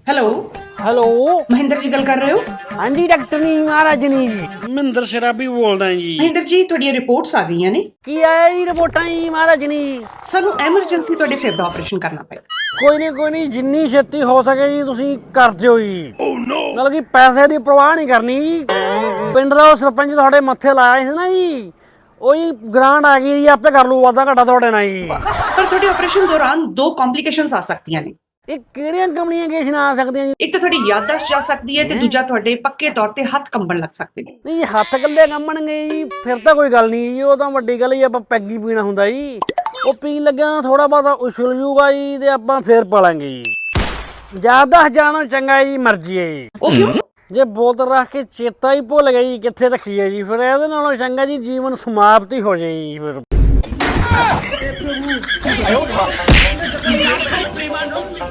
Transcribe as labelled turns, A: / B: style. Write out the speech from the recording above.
A: Hello
B: hello
A: Mahinder ਜੀ ਗੱਲ ਕਰ ਰਹੇ ਹੋ?
B: ਹਾਂਜੀ ਡਾਕਟਰ ਨੀ ਮਹਾਰਾਜ ਨੀ ਜੀ।
C: ਮਹਿੰਦਰ ਸ਼ਰਾਬੀ ਬੋਲਦਾ ਜੀ।
A: ਮਹਿੰਦਰ ਜੀ ਤੁਹਾਡੀਆਂ ਰਿਪੋਰਟਸ ਆ ਗਈਆਂ ਨੇ।
B: ਕੀ ਆਇਆ ਜੀ ਰਿਪੋਰਟਾਂ ਜੀ ਮਹਾਰਾਜ ਨੀ?
A: ਸਾਨੂੰ ਐਮਰਜੈਂਸੀ ਤੁਹਾਡੇ ਸਿਰ ਦਾ ਆਪਰੇਸ਼ਨ ਕਰਨਾ ਪਏਗਾ।
B: ਕੋਈ ਨਹੀਂ ਜਿੰਨੀ ਛੇਤੀ ਹੋ ਸਕੇ ਜੀ ਤੁਸੀਂ ਕਰ ਦਿਓ ਜੀ। ਮਤਲਬ ਕਿ ਪੈਸੇ ਦੀ ਪਰਵਾਹ ਨਹੀਂ ਕਰਨੀ ਜੀ। ਪਿੰਡ ਦਾ ਉਹ ਸਰਪੰਚ ਤੁਹਾਡੇ ਮੱਥੇ ਲਾਇਆ ਸੀ ਨਾ ਜੀ, ਉਹ ਜੀ ਗ੍ਰਾਂਟ ਆ ਗਈ ਜੀ, ਆਪੇ ਕਰ ਲੂ ਵਾਧਾ ਘਾਟਾ ਤੁਹਾਡੇ ਨਾਲ ਜੀ।
A: ਪਰ ਤੁਹਾਡੇ ਆਪਰੇਸ਼ਨ ਦੌਰਾਨ ਦੋ ਕੰਪਲਿਕੇਸ਼ਨਸ ਆ ਸਕਦੀਆਂ ਨੇ।
B: ਇਹ ਕਿਹੜੀਆਂ ਕਮਿਊਨੀਕੇਸ਼ਨ ਆ ਸਕਦੀਆਂ ਜੀ?
A: ਇੱਕ ਤਾਂ ਤੁਹਾਡੀ ਯਾਦਦਾਸ਼ਤ ਜਾ ਸਕਦੀ ਹੈ ਤੇ ਦੂਜਾ ਤੁਹਾਡੇ ਪੱਕੇ ਤੌਰ ਤੇ ਹੱਥ ਕੰਬਣ ਲੱਗ ਸਕਦੇ ਨੇ।
B: ਨਹੀਂ ਜੀ ਹੱਥ ਇਕੱਲੇ ਕੰਬਣਗੇ ਜੀ ਫਿਰ ਤਾਂ ਕੋਈ ਗੱਲ ਨਹੀਂ ਜੀ, ਉਹ ਤਾਂ ਵੱਡੀ ਗੱਲ ਹੀ ਆਪਾਂ ਪੈਗ ਹੀ ਪੀਣਾ ਹੁੰਦਾ ਜੀ। ਉਹ ਪੀਣ ਲੱਗਿਆ ਥੋੜਾ ਬਹੁਤਾ ਉਛਲ ਜੂਗਾ ਜੀ ਤੇ ਆਪਾਂ ਫੇਰ ਪਾਲਾਂਗੇ ਜੀ। ਜ਼ਿਆਦਾ ਜਾਣੋ ਚੰਗਾ ਜੀ ਮਰਜ਼ੀ ਹੈ ਜੀ।
A: ਉਹ ਕਿਉਂ? ਜੇ
B: ਬੋਤਲ ਰੱਖ ਕੇ ਚੇਤਾ ਹੀ ਭੁੱਲ ਗਿਆ ਜੀ ਕਿੱਥੇ ਰੱਖੀ ਹੈ ਜੀ, ਫਿਰ ਇਹਦੇ ਨਾਲੋਂ ਚੰਗਾ ਜੀ ਜੀਵਨ ਸਮਾਪਤ ਹੀ ਹੋ ਜਾਏ ਜੀ ਫਿਰ।